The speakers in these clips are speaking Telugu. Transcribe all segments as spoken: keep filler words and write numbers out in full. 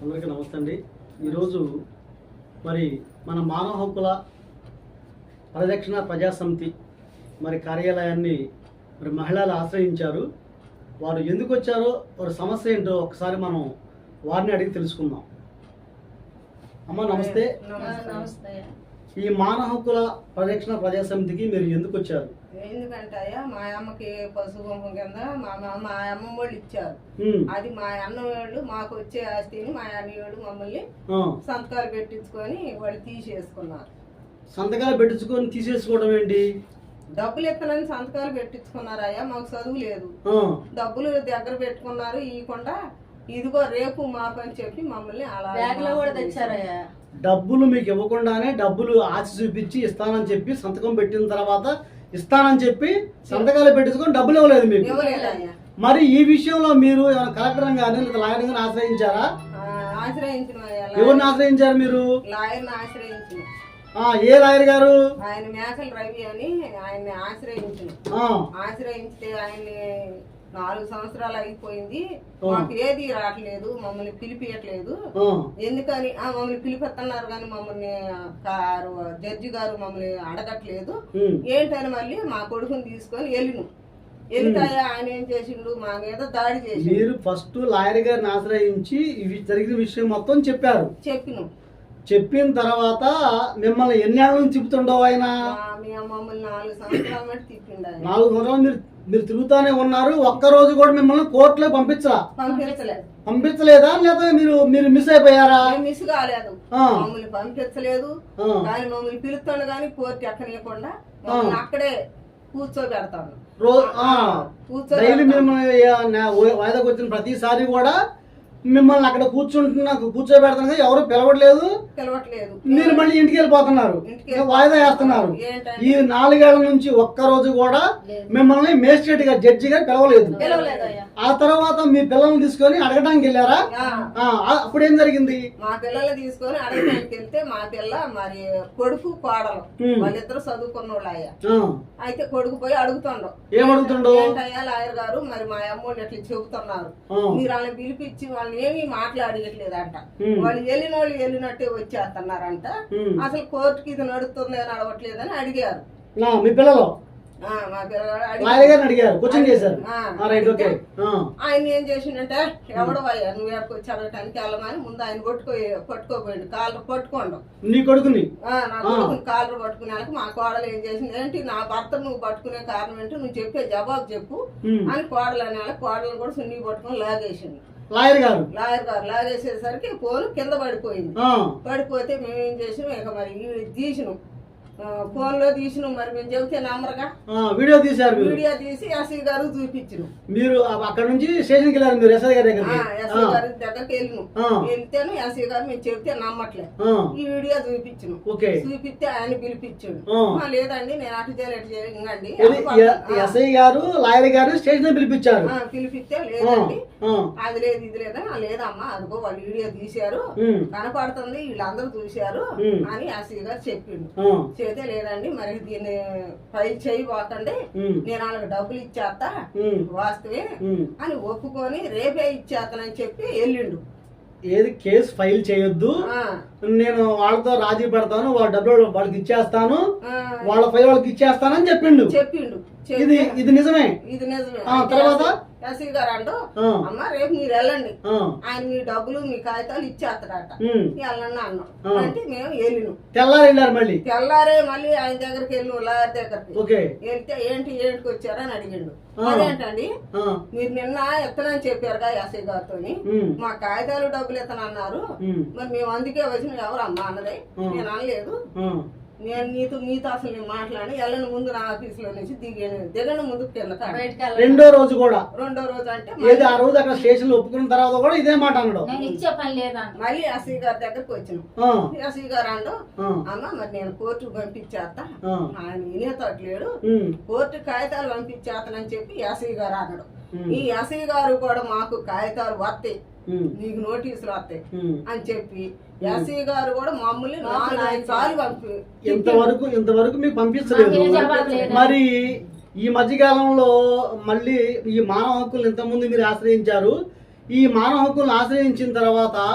అందరికీ నమస్తే అండి. ఈరోజు మరి మన మానవ హక్కుల పరిరక్షణ ప్రజా సమితి మరి కార్యాలయాన్ని మరి మహిళలు ఆశ్రయించారు. వారు ఎందుకు వచ్చారో వారి సమస్య ఏంటో ఒకసారి మనం వారిని అడిగి తెలుసుకుందాం. అమ్మ నమస్తే. నమస్తే. ఈ మానవ హక్కుల పరిరక్షణ ప్రజా సమితికి మీరు ఎందుకు వచ్చారు? ఎందుకంటే మా అమ్మకి పశు కుంభం కింద మా మా అమ్మ వాళ్ళు ఇచ్చారు. అది మా అన్న వాళ్ళు మాకు వచ్చే ఆస్తిని మా అన్నయ్యోళ్ళు మమ్మల్ని సంతకాలు పెట్టించుకొని వాళ్ళు తీసేసుకున్నారు. సంతకాలు పెట్టించుకొని తీసేసుకోవడం ఏంటి? డబ్బులు ఎత్తనని సంతకాలు పెట్టించుకున్నారయ్యా. మాకు చదువు లేదు, డబ్బులు దగ్గర పెట్టుకున్నారు. ఇవ్వకుండా ఇదిగో రేపు మాకు అని చెప్పి మమ్మల్ని అలా కూడా తెచ్చారయ్యా. డబ్బులు మీకు ఇవ్వకుండానే డబ్బులు ఆశ చూపించి ఇస్తానని చెప్పి సంతకం పెట్టిన తర్వాత ఇస్తానని చెప్పి సంతకాలు పెట్టించుకొని డబ్బులు ఇవ్వలేదు మీకు. మరి ఈ విషయంలో మీరు ఏమైనా కలెక్టర్ గాని లేదా లాయర్ గాని ఆశ్రయించారా? ఆశ్రయించిన. ఎవరిని ఆశ్రయించారు మీరు? లాయర్ని ఆశ్రయించిన. ఏ లాయర్ గారు? ఆయన మేకల రవి అని ఆయన్ని ఆశ్రయించిన. ఆశ్రయిస్తే ఆయన్ని నాలుగు సంవత్సరాలు అయిపోయింది, మాకు ఏది రావట్లేదు, మమ్మల్ని పిలిపియట్లేదు. ఎందుకని మమ్మల్ని పిలిపిస్తున్నారు కానీ మమ్మల్ని జడ్జి గారు మమ్మల్ని అడగట్లేదు. ఏంటని మళ్ళీ మా కొడుకుని తీసుకొని వెళ్ళిను. వెళ్తాయా ఆయన ఏం చేసిండు, మా మీద దాడి చేసి. మీరు ఫస్ట్ లాయర్ గారిని ఆశ్రయించి జరిగిన విషయం మొత్తం చెప్పారు. చెప్పిను. చెప్పిన తర్వాత మిమ్మల్ని ఎన్నేళ్ళ నుంచి తిప్పుతుండవు ఆయన? మమ్మల్ని నాలుగు సంవత్సరాల మట్టి తిప్పిండు. నాలుగు సంవత్సరాలు మీరు మీరు తిరుగుతానే ఉన్నారు. ఒక్క రోజు కూడా మిమ్మల్ని కోర్టులో పంపించరా? పంపించలేదు. పంపించలేదా లేదా మీరు మీరు మిస్ అయిపోయారా? మిస్ కాలేదు, మమ్మల్ని పంపించలేదు. కానీ మమ్మల్ని పిలుస్తాను కానీ కోర్టు ఎక్కనియకుండా అక్కడే కూర్చోబెడతాను. డైలీ మిమ్మల్ని వాయిదాకు వచ్చిన ప్రతిసారి కూడా మిమ్మల్ని అక్కడ కూర్చుంటున్నా కూర్చోబెడతాను, ఎవరు పిలవట్లేదు పిలవట్లేదు మీరు మళ్ళీ ఇంటికి వెళ్ళిపోతున్నారు, వాయిదా వేస్తున్నారు. ఈ నాలుగేళ్ల నుంచి ఒక్క రోజు కూడా మిమ్మల్ని మేజిస్ట్రేట్ గా జడ్జి గారు పిలవలేదు. ఆ తర్వాత మీ పిల్లల్ని తీసుకొని అడగడానికి వెళ్ళారా? అప్పుడు ఏం జరిగింది? మా పిల్లల్ని తీసుకొని అడగడానికి వెళ్తే మా పిల్ల మరి కొడుకు కోడలు వాళ్ళిద్దరు చదువుకున్న వాళ్ళు అయ్యా. అయితే కొడుకు పోయి అడుగుతుండవు. ఏం అడుగుతుండో? ఏంటయ్యా లాయర్ గారు మరి మా అమ్మోళ్ళు ఎట్లా చెబుతున్నారు, మీరు వాళ్ళని పిలిపించి వాళ్ళని ఏమీ మాట్లాడట్లేదంట. వాళ్ళు వెళ్ళిన వాళ్ళు వెళ్ళినట్టే వచ్చేస్తున్నారంట. అసలు కోర్టుకి ఇది నడుస్తుంది అని అడగట్లేదని అడిగారు మీ పిల్లలు. మా పిల్లగాడు అడిగారు, క్వశ్చన్ చేశారు. ఆయన ఏం చేసిండంటే, ఎవడో అయ్యా నువ్వు ఎక్కడికి అడగటానికి వెళ్ళమని ముందు ఆయన కొట్టుకో పట్టుకోపోయిండు. కాలర్ పట్టుకోండు నీ కొడుకుని. నా కొడుకుని కాలర్ పట్టుకునేందుకు మా కోడలు ఏం చేసింది, ఏంటి నా భర్త నువ్వు పట్టుకునే కారణం ఏంటి, నువ్వు చెప్పే జవాబు చెప్పు అని కోడలు అనే కోడలను కూడా సున్ని పట్టుకుని లాగేసింది. లాయర్ గారు లాయర్ గారు లాగేసేసరికి ఫోన్ కింద పడిపోయింది. పడిపోతే మేము ఏం చేసినాం, ఇక మరి తీసినాం, ఫోన్ లో తీసినాం. మరి మేము చెబితే నమ్మరుగా వీడియో తీసారు. వీడియో తీసి ఎస్ఐ గారు చూపించిన. మీరు అక్కడ నుంచి స్టేషన్కి వెళ్ళారు, మీరు ఎస్ఐ గారి దగ్గర ఎస్ఐ గారి దగ్గరికి వెళ్ళినాం. వెళ్తేనే ఎస్ఐ గారు మేము చెబితే నమ్మట్లేదు. ఈ వీడియో చూపించిన. చూపిస్తే ఆయన పిలిపించాడు. లేదండి నేను అటు చేయాలి అటు చేయండి. ఎస్ఐ గారు లాయర్ గారు స్టేషన్ పిలిపించారు. పిలిపిస్తే లేదండి అది లేదు ఇది లేదని. లేదమ్మా అదిగో వాళ్ళు వీడియో తీశారు కనపడుతుంది, వీళ్ళందరూ చూశారు అని ఎస్ఐ గారు చెప్పిండు. చేతే లేదండి మరి దీన్ని ఫైల్ చేయబోతండి, నేను వాళ్ళకి డబ్బులు ఇచ్చేస్తా వాస్తవే అని ఒప్పుకొని రేపే ఇచ్చేస్తానని చెప్పి వెళ్ళిండు. ఏది కేసు ఫైల్ చేయొద్దు, నేను వాళ్ళతో రాజీ పెడతాను, వాళ్ళ డబ్బులు వాళ్ళకి ఇచ్చేస్తాను, వాళ్ళ ఫైల్ వాళ్ళకి ఇచ్చేస్తానని చెప్పిండు చెప్పిండు ఇది ఇది నిజమే. ఇది నిజమే. తర్వాత ఎస్ఐ గారు అంటూ అమ్మ రేపు మీరు వెళ్ళండి, ఆయన మీ డబ్బులు మీ కాగితాలు ఇచ్చేస్తాడట, వెళ్ళండి అన్నాం. అంటే మేము వెళ్ళినాం. తెల్లారి వెళ్ళారు. మళ్ళీ తెల్లారే మళ్ళీ ఆయన దగ్గరికి వెళ్ళినాం, లాయర్ దగ్గరికి వెళ్తే ఏంటి ఏంటికి వచ్చారని అడిగిండు. అదేంటండి మీరు నిన్న ఎత్తనని చెప్పారుగా ఎస్ఐ గారితో, మా కాగితాలు డబ్బులు ఎత్తనన్నారు, మరి మేము అందుకే వచ్చిన ఎవరమ్మా అన్నదే. నేను అనలేదు, నేను నీతో మీతో అసలు నేను మాట్లాడి వెళ్ళని ముందు నా ఆఫీస్ లో నుంచి దిగాను దిగని ముందు కింద. రెండో రోజు కూడా రెండో రోజు అంటే ఆ రోజు అక్కడ స్టేషన్ లో ఒప్పుకున్న తర్వాత కూడా ఇదే మాట అన్నాడు. మళ్ళీ ఎస్ఐ గారి దగ్గరకు వచ్చిన. ఎస్ఐ గారు అండు అమ్మ మరి నేను కోర్టు పంపించేస్తా, ఆయన వినేతట్లేడు, కోర్టు కాగితాలు పంపించేస్తానని చెప్పి ఎస్ఐ గారు అన్నాడు. ఈ ఎస్ఐ గారు కూడా మాకు కాగితాలు వస్తాయి, నీకు నోటీసులు వస్తాయి అని చెప్పి ఎస్ఐ గారు కూడా మమ్మల్ని నాలుగు సార్లు పంపి ఇంతవరకు ఇంతవరకు మీకు పంపించలేదు. మరి ఈ మధ్యకాలంలో మళ్ళీ ఈ మానవ హక్కులు ఇంతకుముందు మీరు ఆశ్రయించారు. ఈ మానవ హక్కులను ఆశ్రయించిన తర్వాత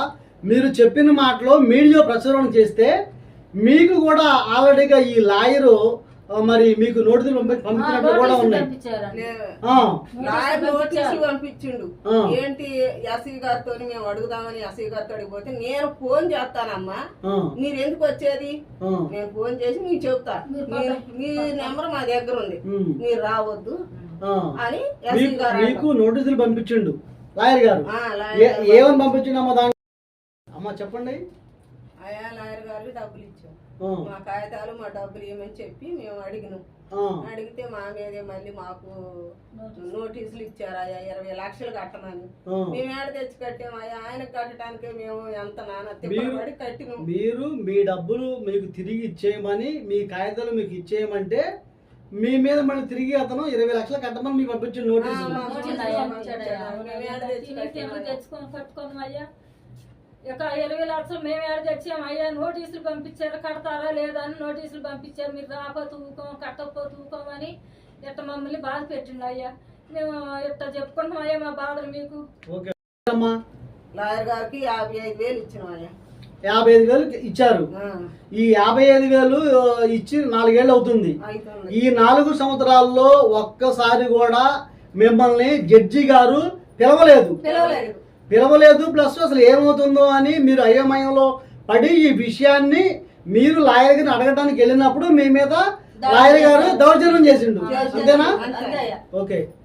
మీరు చెప్పిన మాటలో మీడియా ప్రచురణ చేస్తే మీకు కూడా ఆల్రెడీగా ఈ లాయరు ఆ, మరి మీకు నోటీసులు పంపి పంపించినట్లు కూడా ఉన్నాయి. ఆ, లాయర్ నోటీసులు పంపించిండు. ఆ. ఏంటి ఎస్సీ గారితో మేము అడుగుదామని ఎస్సీ గారితో అడిగిపోతే నేను ఫోన్ చేస్తానమ్మా, ఆ, మీరు ఎందుకు వచ్చేది, ఆ, నేను ఫోన్ చేసి మీకు చెప్తా, మీ- మీ నెంబర్ మా దగ్గర ఉంది, ఉమ్, మీరు రావద్దు ఆ. అని ఎస్సీ మీకు గారు మీకు నోటీసులు పంపించిండు లాయర్ గారు. ఆ, ఏ- లాయర్ గారు ఏమని పంపించిండమ్మా దాని అమ్మా చెప్పండి. అయా లాయర్ గారికి డబ్బులు ఇచ్చాం, ఆ, మా కాగితాలు మా డబ్బులు ఇవ్వమని చెప్పి మేము అడిగినాం. ఆ, అడిగితే మా మీదే మళ్ళీ మాకు నోటీసులు ఇచ్చారయ్యా ఇరవై లక్షలు కట్టమని. ఆ. మేము ఏడ తెచ్చి కట్టామయ్యా, ఆయన కట్టడానికి మేము ఎంత నాన్న మీరు- తిప్పబడి కట్టినాం. మీరు మీ డబ్బులు మీకు తిరిగి ఇచ్చేయమని, మీ కాగితాలు మీకు ఇచ్చేయమంటే మీ మీద మళ్ళీ తిరిగి అతను ఇరవై లక్షలు కట్టమని మీకు పంపించిన నోటీసు. ఆ, మాకు వచ్చిందయ్యా, పంపించాడయ్యా. మేము ఏడ తెచ్చి కట్టామయ్యా. తెచ్చుకొని కట్టుకుందాం అయ్యా. ఇక ఇరవై లక్షలు మేము ఏడ తెచ్చాం అయ్యా. నోటీసులు పంపించారు, కడతారా లేదా అని నోటీసులు పంపించారు. మీరు రాకపోతే ఊకోం, కట్టకపోతే ఊకోమని ఇట్ట మమ్మల్ని బాధ పెట్టిండు అయ్యా. మేము ఇట్ట చెప్పుకుంటాం అయ్యా మా బాధలు మీకు. ఓకే అమ్మా, లాయర్ గారికి యాభై ఐదు వేలు ఇచ్చినామయ్యా. యాభై ఐదు వేలు ఇచ్చారు. ఆ, ఈ యాభై ఐదు వేలు ఆ, ఇచ్చి నాలుగేళ్ళు అవుతుంది. అవుతుంది. ఈ నాలుగు సంవత్సరాల్లో ఒక్కసారి కూడా మిమ్మల్ని జడ్జి గారు పిలవలేదు పిలవలేదు. పిలవలేదు ప్లస్ అసలు ఏమవుతుందో అని మీరు అయోమయంలో పడి ఈ విషయాన్ని మీరు లాయర్ గారిని అడగడానికి వెళ్ళినప్పుడు మీ మీద లాయర్ గారు దౌర్జన్యం చేసిండు. అంతేనా? అంతే. ఓకే.